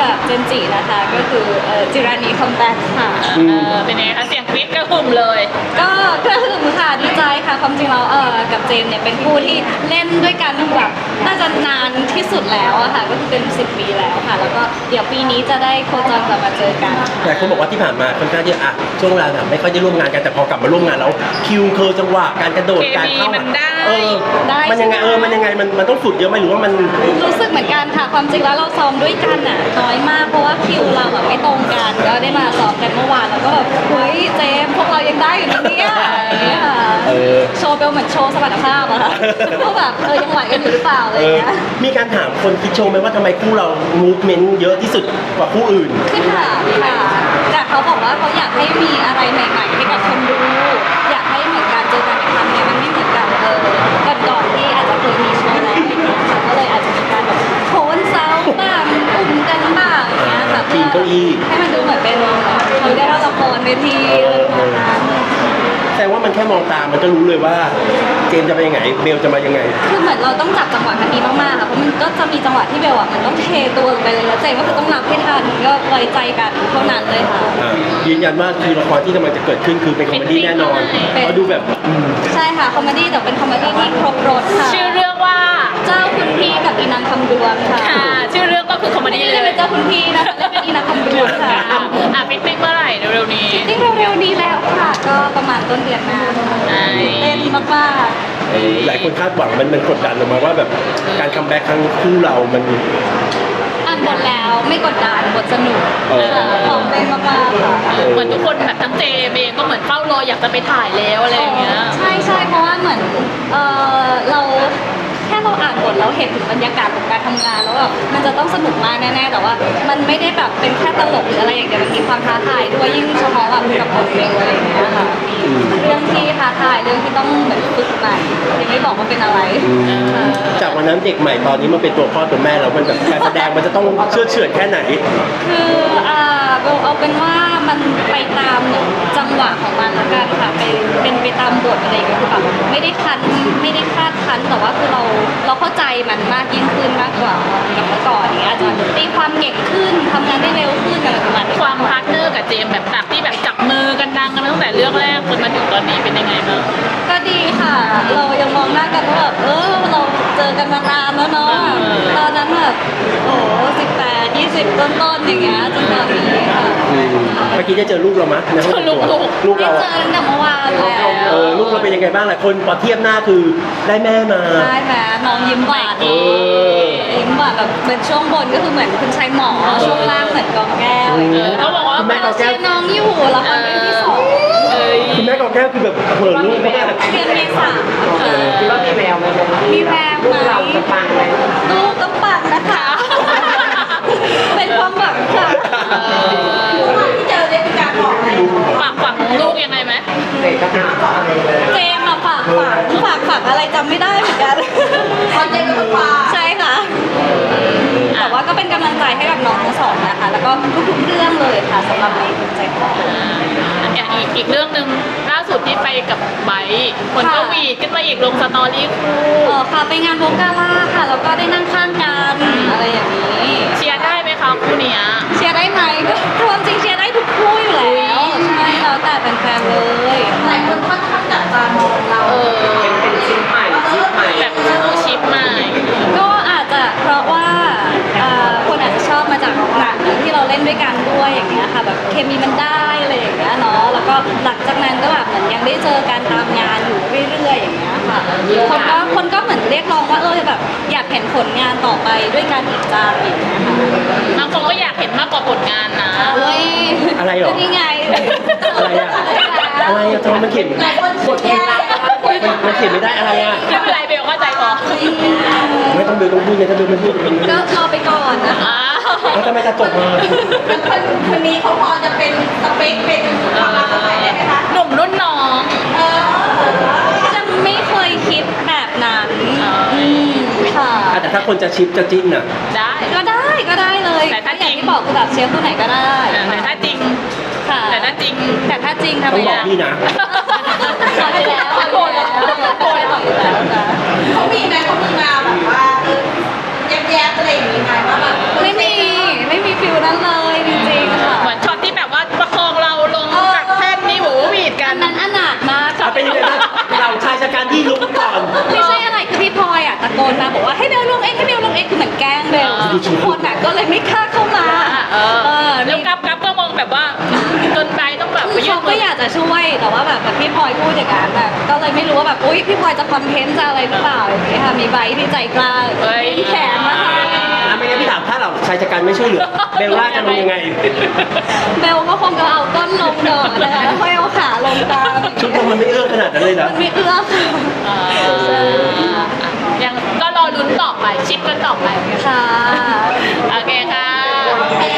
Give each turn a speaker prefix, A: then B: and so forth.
A: กับเจนจินะคะก็คือจิรานีคัมแบ็กค่ะ
B: เป็นไงคะเสียงกรี๊ดกระหึ่มเลย
A: ก็กระหึ่มค่ะดีใจค่ะความจริงแล้วกับเจมเนี่ยเป็นคู่ที่เล่นด้วยกันแบบน่าจะนานที่สุดแล้วอะค่ะก็คือเป็น10 ปีแล้วค่ะแล้วก็เดี๋ยวปีนี้จะได้โคจรกลับมาเจอกัน
C: แต่คนบอกว่าที่ผ่านมาค่อนข้างที่ช่วงเวลาแบบไม่ค่อยได้ร่วมงานกันแต่พอกลับมาร่วมงานแล้วคิวเคอร์จังหวะการกระโดดการเข้ามันยังไงมันต้องฝึกเยอะไหมหรือว่ามัน
A: รู้สึกเหมือนกันค่ะความจริงแล้วเราซ้อมด้วยกันอ่ะน้อยมากเพราะว่าคิวเราแบบไม่ตรงกันก็ได้มาซ้อมกันเมื่อวานแล้วก็แบบเฮ้ยเจมพวกเรายังได้อยู่นะเนี่ยโชว์เบลเหมือนโชว์สมรรถภาพอะค่ะก็แบบยังไหวกันอยู่หรือเปล่าอะไรเงี้ย
C: มีการถามคนคิดโชว์ไหมว่าทำไมคู่เรามูฟเมนต์เยอะที่สุดกว่าคู่อื่น
A: คือถามค่ะแต่เขาบอกว่าเขาอยากให้มีอะไรใหม่ๆให้กับคนดูอยากให้เหมือนการเจอกันในครั้งนี้มันไม่เหมือนกันก่อนที่อาจจะเคยมีโชว์แล้วก็เลยอาจจะมีการแบบโผล่เซาบ้างอุ่มกันบ้างอย่างเงี้ยค่ะเพื่อให้มันดูเหมือนเป็นเขาได้รับละครเวที
C: แสดงว่ามันแค่มองตามันก็รู้เลยว่าเจมจะไปยังไงเบลจะมายังไง
A: คือเหมือนเราต้องจับจังหวะกันดีมากๆค่ะเพราะมันก็จะมีจังหวะที่เบลมันต้องเทตัวลงไปเลยแล้วเจมก็คือต้องรับให้ทันก็ไว้ใจกันเท่านั้นเลยค่ะ
C: ยืนยันว่าคือละครที่กำลังจะเกิดขึ้นคือเป็นคอมเมดี้แน่นอนเพราะดูแบบ
A: ใช่ค่ะคอมเมดี้แต่เป็นคอมเมดี้ที่ครบรสค่ะ
B: ชื่อเรื่องว่า
A: เจ้าคุณพี่กับอีนางคำดวงค่ะ
B: ชื่อเรื่องก็คือคอมเมดี้เลย
A: เป็นเจ้าคุณพี่นะคะเล่นเป็นอีนางคำดวงค่ะ
B: ฟิตติ้งเมื่อไหร่เร็วๆนี้
A: ฟิตติ้งเร็วๆนี้แล้วค่ะก็ประมาณต้นเดือนหน้าเต้นมาก
C: หลายคนคาดหวังมันกดดันออกมาว่าแบบการคัมแบ็กครั้งคู่เรามัน
A: อ่านบทแล้วไม่กดดันบทสนุกของเต้นมากๆค่ะ
B: เหมือนทุกคนแบบทั้งเจมเองก็เหมือนเฝ้ารออยากจะไปถ่ายแล้วอะไรอย่างเงี้ย
A: ใช่เพราะว่าเหมือนเราแค่เราอ่านบทแล้วเห็นถึงบรรยากาศของการทำงานแล้วแบบมันจะต้องสนุกมากแน่ๆแต่ว่ามันไม่ได้แบบเป็นแค่ตลกหรืออะไรอย่างเดียวมันมีความท้าทายด้วยยิ่งเฉพาะแบบกับบทเบลอะไรอย่างเงี้ยค่ะเรื่องที่ท้าทายเรื่องที่ต้องเหมือนฝึกใหม่ยังไม่บอกว่าเป็นอะไร
C: จากวันนั้นเด็กใหม่ตอนนี้มันเป็นตัวพ่อตัวแม่แล้วมันแบบการแสดงมันจะต้องเชื่อเฉื่อยแค่ไหน
A: คือเบลเอาเป็นว่ามันไปตามจังหวะของมันละกันค่ะเป็นไปตามบทอะไรอย่างเงี้ยคือแบบไม่ได้คาดคั้นแต่ว่าคือเราเข้าใจมันมากยิ่งขึ้นมากกว่ากับเมื่อก่อนอย่างเงี้ยอาจจะตีความเก่งขึ้นทำงานได้เร็วขึ้นอะไรประมาณนี้
B: ความพาร์ทเนอร์กับเจมแบบที่แบบจับมือกันดังกันมาตั้งแต่เรื่องแรกจนมาถึงตอนนี้เป็นยังไงบ้าง
A: ก็ดีค่ะเรายังมองหน้ากันว่าแบบเราเจอกันมานานแล้วเนาะตอนนั้นแบบโอ้18 20ต้นๆอย่างเงี้ยจนตอนนี้ค่ะ
C: เมื่อกี้ได้เจอลูกเรามั้ย
A: ลูกเราเจอตั้งแต่เมื่อวานแล้ว
C: ลูกเราเป็นยังไงบ้างหลายคนพอเทียบหน้าคือได้แม่มา
A: ได้แม่น้องยิ้มหวานยิ้มหวานแบบเป็นช่วงบนก็คือเหมือนคุณชายหมอช่วงล่างเหมือนกองแก้ว
B: เขาบอกว่า
C: คุณแม่กองแก้ว
A: น้องอยู่ละครเรื่องที่2
C: คุณแม่กองแก้วคือแบบเผลอลูกมาก
A: เดือนเมษา
D: คิดว่ามีแววไหม
A: มีแววไหม
D: เราจะปังไหม
A: ลูกต้องปังนะคะเป็นความหวังค่ะที่เจอได้มีการบอกอะไร
B: ฝากลูกยังไงไหม
D: เด็กก็ถาม
A: เจมอะฝากอะไรจำไม่ได้เหมือนกันเจมก็ฝากใช่ค่ะแต่ว่าก็เป็นกำลังใจให้กับน้องทั้งสองนะคะแล้วก็ทุกๆเรื่องเลยค่ะสำหรับในหัวใจของ
B: อีกเรื่องหนึ่งล่าสุดที่ไปกับไบค์คนก็วีดขึ้นมาอีกลงสตอรี่คู่
A: ค่ะไปงานโบกาล่าค่ะแล้วก็ได้นั่งข้างกันอะไรอย่างนี้
B: เชียร์ได้ไหมคะคู่เนี้ย
A: เชียร์ได้ไหมก็ความจริงเชียร์ได้ทุกคู่อยู่แล้วใช่แล้วแต่แฟนๆเลยหลายคนค่อนข้างจับตามองเรา
D: เป็นชิปใหม่
B: แบบชิปใหม่
A: ก็อาจจะเพราะว่าคนอาจจะชอบมาจากหนังที่เราเล่นด้วยกันด้วยอย่างเงี้ยค่ะแบบเคมีมันได้อะไรอย่างเงี้ยเนาะแล้วก็หลังจากนั้นก็แบบเหมือนยังได้เจอการตามงานอยู่เรื่อยๆอย่างเงี้ยค่ะคนก็เหมือนเรียกร้องว่าแบบอยากเห็นผลงานต่อไปด้วยกันอีกจังอย่างเงี้ยค่ะ
B: บางคนก็อยากเห็นมากกว่าผลงานนะ
C: อะไรหรอ
A: นี่ไง
C: อะไรอะจอมันเขียนมันเขียนไม่ได้อะไรอะ
B: ไม่เป็นไรเบลเข้าใจพอ
C: ไม่ต้องดูต้องพูดไงถ้าดูไม่พูด
A: ก็รอไปก่อนนะคะ
C: แล้วทำไมจะจบมา
A: คนนี้เขาพอจะเป็นสเปคเป็นความรักอะไรได้ไหมคะ
B: หนุ่มรุ่นน้อง
A: จะไม่เคยคิดแบบนั้นค่ะ
C: แต่ถ้าคนจะชิปจะจิ้นน่ะ
B: ได้
A: ก็ได้เลย
B: แต่ถ้าจริง
A: ที่บอกคือแบบเชียร์คู่ไหนก็ได้
B: แต่ถ้าจริง
A: ค่ะ
B: แต่ถ้าจริง
A: ทำไม
C: ต้องบอกพี่นะ
A: ไปแล้วโกรธแล้วเขามีมาแบบว่าแยบๆอะไรอย่างนี้ไหมว่าแบบไม่มีฟิลคือเหมือนแกล้งเบลทุกคนก็เลยไม่กล้าเข้ามา
B: แล้วกับก็มองแบบว่าจนไบร์ทต้องแบบไป
A: คือ
B: ยื่
A: เขา
B: น
A: ก็อยากจะช่วยแต่ว่าแบบพี่พลอยพูดอย่างนั้นแบบก็เลยไม่รู้ว่าแบบอุ๊ยพี่พลอยจะคอนเทนต์จะอะไรหรือเปล่าอย่างนี้ค่ะมีใบที่ใจกล้ามีแขนนะคะ
C: ไม่งั้นพี่ถามถ้าเราชายชะกันไม่ช่วยเหลือเบลล่าจะลงยังไง
A: เบลก็คงจะเอาก้นลงก่อนนะคะแล้วค่อยเอาขาลงตาม
C: ชุดเรามันไม่เอื้อขนาดนั้นเลยนะ
A: มันไม่เอื้อค่ะ
B: ยังก็รอลุ้นต่อไปชิปกันต่อไป
A: ค่ะ
B: โอเคค่ะ
A: โอเค